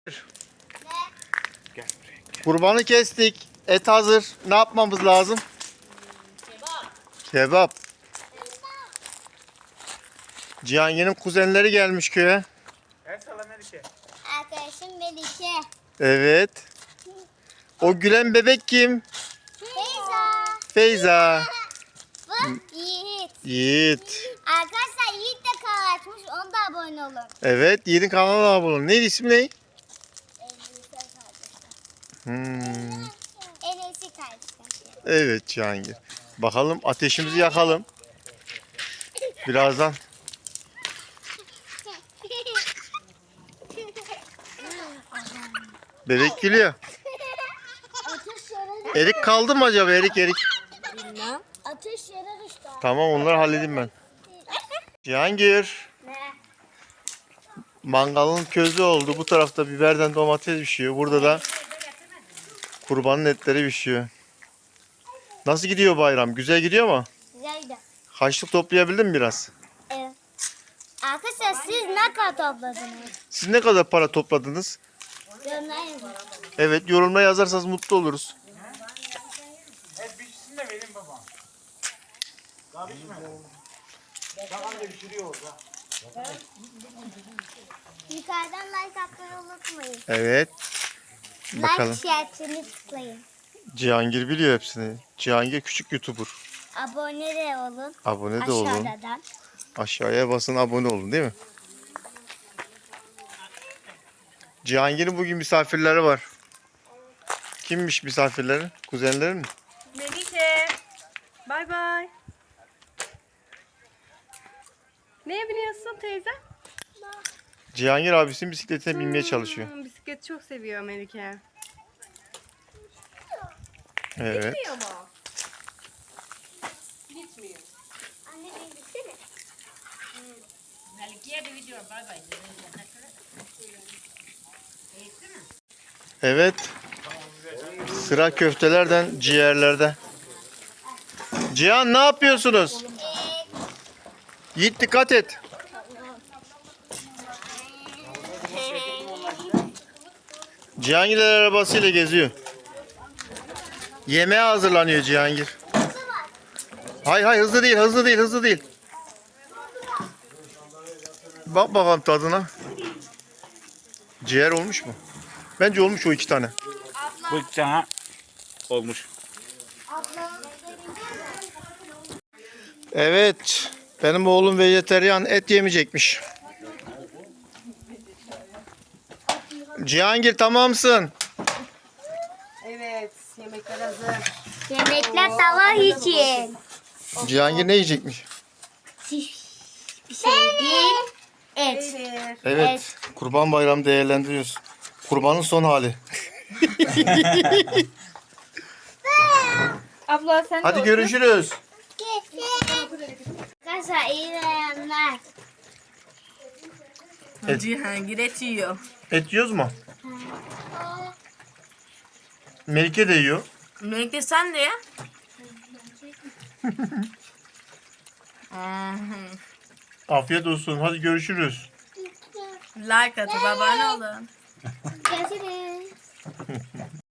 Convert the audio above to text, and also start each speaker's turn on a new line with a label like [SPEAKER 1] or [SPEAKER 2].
[SPEAKER 1] Kurbanı kestik. Et hazır. Ne yapmamız lazım? Kebap. Cihangir'in kuzenleri gelmiş köye.
[SPEAKER 2] Arkadaşım Melike.
[SPEAKER 1] Evet. O gülen bebek kim?
[SPEAKER 2] Feyza.
[SPEAKER 1] Feyza.
[SPEAKER 2] Bu Yiğit.
[SPEAKER 1] Yiğit.
[SPEAKER 2] Arkadaşlar Yiğit de kanal açmış. Ona da abone olun.
[SPEAKER 1] Evet, Yiğit'in kanalına abone olun. Neydi ismi ne?
[SPEAKER 2] En iyisi
[SPEAKER 1] Hmm.
[SPEAKER 2] kardeşim.
[SPEAKER 1] Evet Cihangir. Bakalım ateşimizi yakalım. Birazdan. Bebek gülüyor. Erik kaldı mı acaba? Erik.
[SPEAKER 2] Bilmem. Ateş yere düştü.
[SPEAKER 1] Tamam, onları halledeyim ben. Cihangir.
[SPEAKER 2] Ne?
[SPEAKER 1] Mangalın közü oldu. Bu tarafta biberden domates pişiyor. Burada da kurbanın etleri pişiyor. Nasıl gidiyor bayram? Güzel gidiyor mu?
[SPEAKER 2] Güzeldi.
[SPEAKER 1] Haçlık toplayabildin mi biraz?
[SPEAKER 2] Evet. Arkadaşlar siz ne kadar topladınız?
[SPEAKER 1] Siz ne kadar para topladınız?
[SPEAKER 2] Yorumlar yazın.
[SPEAKER 1] Evet, yorumlara yazarsanız mutlu oluruz.
[SPEAKER 2] Yukarıdan like atmayı unutmayın.
[SPEAKER 1] Evet. Bakalım.
[SPEAKER 2] Like işaretini tıklayın.
[SPEAKER 1] Cihangir biliyor hepsini. Cihangir küçük YouTuber.
[SPEAKER 2] Abone de olun.
[SPEAKER 1] Abone de olun.
[SPEAKER 2] Aşağıdan.
[SPEAKER 1] Aşağıya basın, abone olun, değil mi? Cihangir'in bugün misafirleri var. Kimmiş misafirleri? Kuzenleri mi?
[SPEAKER 3] Melike. Bay bay. Neye biniyorsun teyze?
[SPEAKER 1] Cihangir abisinin bisikletine binmeye çalışıyor.
[SPEAKER 3] Bisiklet çok seviyor Melike.
[SPEAKER 1] Evet.
[SPEAKER 3] Gitmiyor mu? Gitmiyor.
[SPEAKER 2] Anne beni bitsene.
[SPEAKER 1] Evet. Sıra köftelerden, ciğerlerde. Cihan, ne yapıyorsunuz? Yiğit, dikkat et. Cihangir arabasıyla geziyor. Yemeğe hazırlanıyor Cihangir. Hayır, hızlı değil. Bak bakalım tadına. Ciğer olmuş mu? Bence olmuş o 2 tane.
[SPEAKER 4] Bu sana olmuş.
[SPEAKER 1] Evet. Benim oğlum vejeteryan, et yemeyecekmiş. Cihangir, tamamsın.
[SPEAKER 3] Evet. Yemekler hazır.
[SPEAKER 2] Yemekler sabah için.
[SPEAKER 1] Cihangir ne yiyecekmiş?
[SPEAKER 2] Bir şey değil. Et.
[SPEAKER 3] Peynir.
[SPEAKER 1] Evet. Kurban Bayramı değerlendiriyoruz. Kurbanın son hali.
[SPEAKER 3] Abla sen
[SPEAKER 1] Hadi görüşürüz.
[SPEAKER 2] Arkadaşlar iyi beğenler.
[SPEAKER 3] Cihangir et yiyor.
[SPEAKER 1] Et yiyoruz mu? Melike de yiyor.
[SPEAKER 3] Melike sen de ya.
[SPEAKER 1] Afiyet olsun. Hadi görüşürüz.
[SPEAKER 3] Like atıp abone olun.
[SPEAKER 2] Görüşürüz.